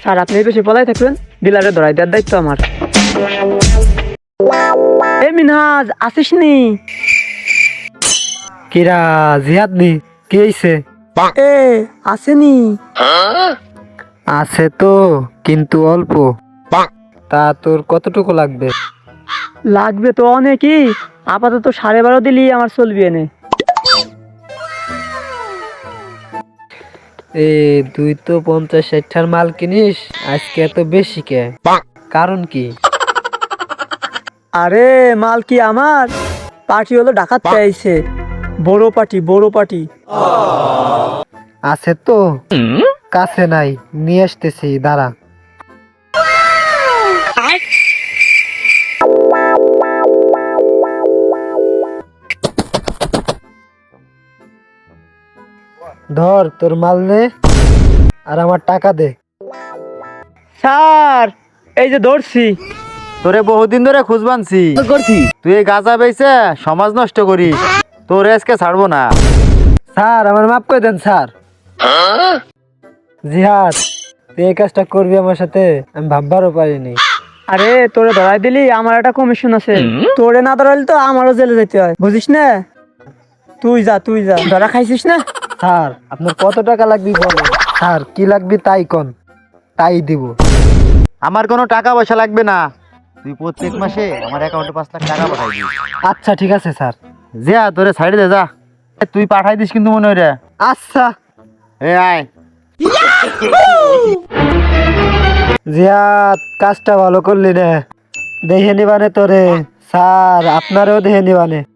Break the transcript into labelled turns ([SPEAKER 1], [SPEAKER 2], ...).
[SPEAKER 1] Sir আপনি বেশি পলাই থাকবেন, ডিলারে ধরাই দেওয়ার দায়িত্ব আমার। এ মিনহাজ আসিস নি?
[SPEAKER 2] কিরা জিহাদ নি কি হইছে?
[SPEAKER 1] এ আসেনি?
[SPEAKER 2] আছে তো, কিন্তু অল্প। তা তোর কতটুকু লাগবে?
[SPEAKER 1] লাগবে তো অনেকই, আপাতত 12.5 দিলি আমার চলবি এনে।
[SPEAKER 2] এ তুই তো 50-60টার মাল কিনিস, আজকে এত বেশি কে? কারণ কি?
[SPEAKER 1] আরে মাল কি আমার? পার্টি হলো ডাকাত চাইছে, বড় পার্টি বড় পার্টি।
[SPEAKER 2] আছে তো, কাছে নাই, নিয়ে আসতেছি দাঁড়া। ধর তোর মাল নে, আর আমার টাকা দে।
[SPEAKER 1] স্যার এই যে ধরছি।
[SPEAKER 3] তোরে বহুদিন ধরে খুঁজ বানছি, তুই এই গাঁজা বেচে সমাজ নষ্ট করিস, তোর আজকে ছাড়বো না।
[SPEAKER 2] স্যার আমার মাফ করে দেন স্যার। জিহাদ, তুই এই কাজটা করবি আমার সাথে, আমি ভাববারও পারিনি।
[SPEAKER 1] আরে তোরে ধরাই দিলি আমার একটা কমিশন আছে, তোরে না ধরাইলে তো আমারও জেলে যেতে হয়, বুঝিস না? তুই যা তুই যা, ধরা খাইছিস না?
[SPEAKER 2] স্যার আপনার কত টাকা লাগবে বলেন, স্যার কি লাগবে তাই কোন, তাই দিব।
[SPEAKER 3] আমার কোনো টাকা পয়সা লাগবে না, তুই প্রত্যেক মাসে আমার অ্যাকাউন্টে 5 লাখ টাকা পাঠাই দিস।
[SPEAKER 2] আচ্ছা ঠিক আছে স্যার।
[SPEAKER 3] যা তোরে সাইডে দে যা, তুই পাঠাই দিস কিন্তু মনে হয় রে।
[SPEAKER 2] আচ্ছা।
[SPEAKER 3] এ আয়।
[SPEAKER 2] জিয়াদ কাজটা ভালো করলি রে, দেখে নিবানে তোরে, স্যার আপনারও দেখে নিবানে।